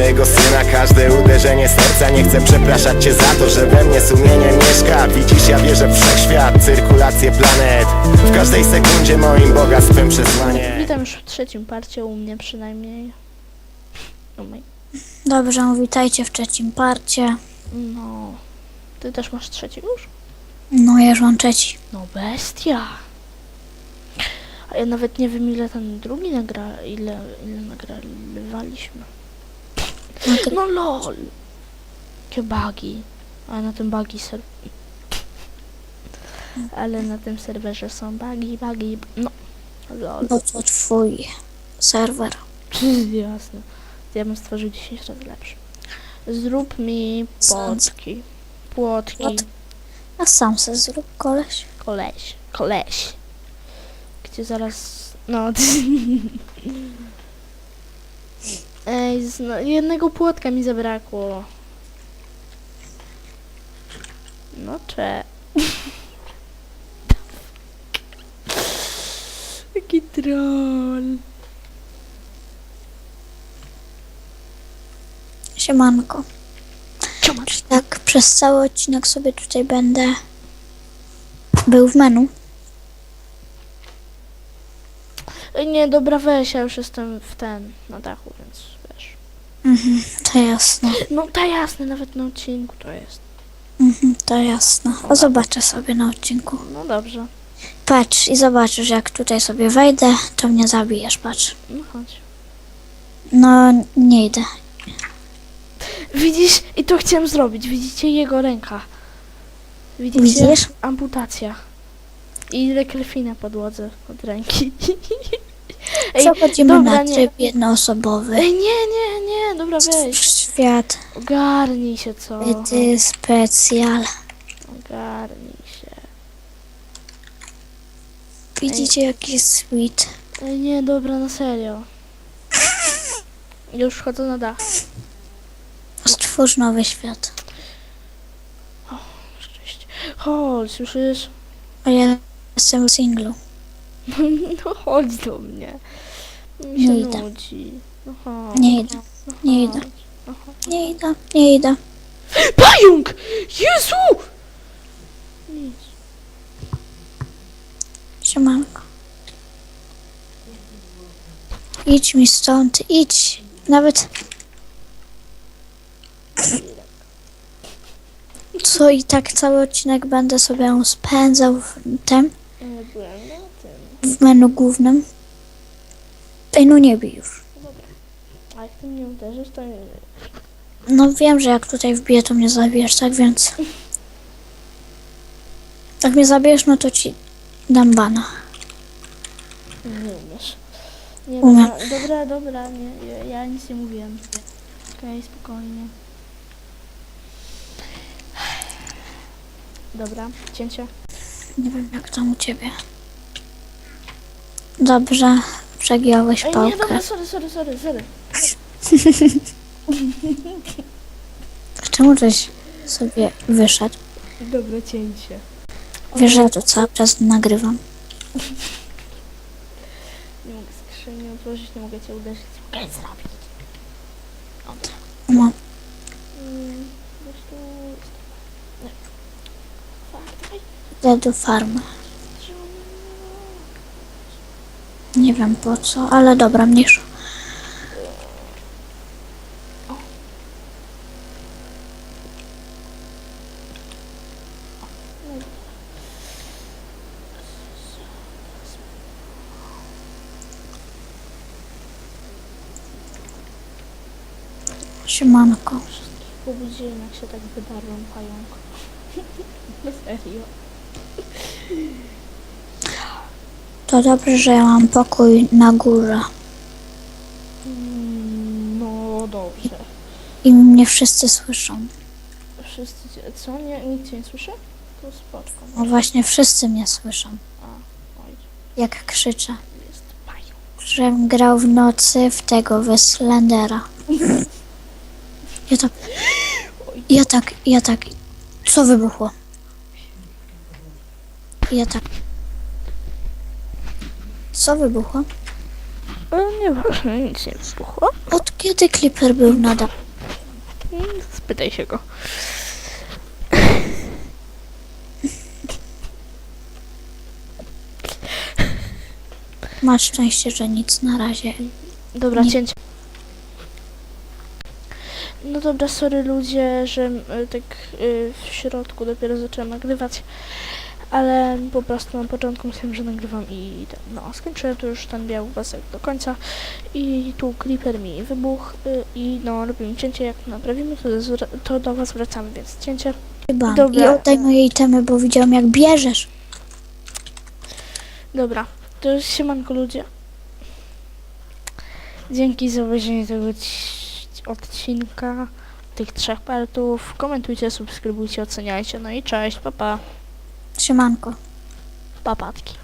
swojego syna każde uderzenie serca. Nie chcę przepraszać cię za to, że we mnie sumienie mieszka. Widzisz, ja wierzę w wszechświat, cyrkulację planet, w każdej sekundzie moim bogactwem przesłanie. Witam już w trzecim parcie, u mnie przynajmniej. Dobrze, witajcie w trzecim parcie. No, ty też masz trzeci już? No, ja już mam trzeci. No bestia. A ja nawet nie wiem, ile ten drugi ile nagrywaliśmy. No lol. Jakie bugi. Ale na tym ale na tym serwerze są bugi. No. Lol. Bo to twój serwer. Jasne. Ja bym stworzył 10 razy lepszy. Zrób mi płotki. Płotki. A sam se zrób, koleś. Koleś. Gdzie zaraz... No... Ej, jednego płotka mi zabrakło. No Jaki troll. Siemanko. Tak, przez cały odcinek sobie tutaj będę był w menu. Ej, nie, dobra, weź, ja już jestem na dachu, więc wiesz. To jasne. No to jasne, nawet na odcinku to jest. To jasne. A zobaczę sobie na odcinku. No dobrze. Patrz i zobaczysz, jak tutaj sobie wejdę, to mnie zabijesz, patrz. No chodź. No, nie idę. Widzisz? I to chciałem zrobić. Widzicie jego ręka. Widzicie? Widzisz? Amputacja. I ile krwi na podłodze od ręki. Przechodzimy dobra, na tryb jednoosobowy. Ej, nie, dobra, weź. Świat. Ogarnij się, co? Ty specjal. Ogarnij się. Widzicie, jaki sweet. Ej, nie, dobra, na serio. Już wchodzę na dach. Stwórz nowy świat. Szczęście. Chodź, słyszysz? A ja jestem w singlu. No chodź do mnie. Mi się Nie idę. nudzi. No chodź. Nie idę. No Nie chodź. idę. Nie idę. Pająk! Jezu! Nic. Siemanko. Idź mi stąd, idź. Nawet... Co i tak cały odcinek będę sobie spędzał w tym, Nie byłem na tym. w menu głównym. Ej, no nie bij już. A jak ty mnie uderzysz, to nie... No wiem, że jak tutaj wbiję, to mnie zabijesz, tak więc... Jak mnie zabijesz, no to ci dam bana. Nie umiesz. Nie, Umiem. dobra, nie, ja nic nie mówiłem. Okej, spokojnie. Dobra, cięcie. Nie wiem, jak tam u ciebie. Dobrze, przegiąłeś Ej, nie, pałkę. dobra, sorry. Czemu żeś sobie wyszedł? Dobra, cięcie. Wiesz, że ja to cały czas nagrywam. Nie mogę skrzyni otworzyć, nie mogę cię uderzyć. Co mogę zrobić? No, Weź tu... Nie. Fuck, dawaj. idę do farmy. Nie wiem po co, ale dobra, mniejsza. Siemanko. Obudziłem, jak się tak wydarłem pająk. Na serio. To dobrze, że ja mam pokój na górze. No dobrze. I mnie wszyscy słyszą. Wszyscy co? Nikt cię nie słyszy? To spoczko. No właśnie, wszyscy mnie słyszą. Oj, Jak krzyczę. jest pająk. Żem grał w nocy w tego, w Slendera. Ja tak. Co wybuchło? Ja tak. Co wybuchło? Nieważne, nic nie wybuchło. Od Kiedy Clipper był nadal? Spytaj się go. Masz szczęście, że nic na razie. Dobra, Nie. cięcie. No dobra, sorry ludzie, że tak w środku dopiero zacząłem nagrywać, ale po prostu na początku myślałem, że nagrywam i no, skończyłem tu już ten biały pasek do końca i tu Creeper mi wybuchł i no, robimy cięcie, jak naprawimy, to do was wracamy, więc cięcie. Chyba. Dobra. I oddaj moje itemy, bo widziałam jak bierzesz. Dobra, to siemanko ludzie. Dzięki za obejrzenie tego odcinka, tych 3 partów. Komentujcie, subskrybujcie, oceniajcie. No i cześć, papa. Siemanko. Papatki.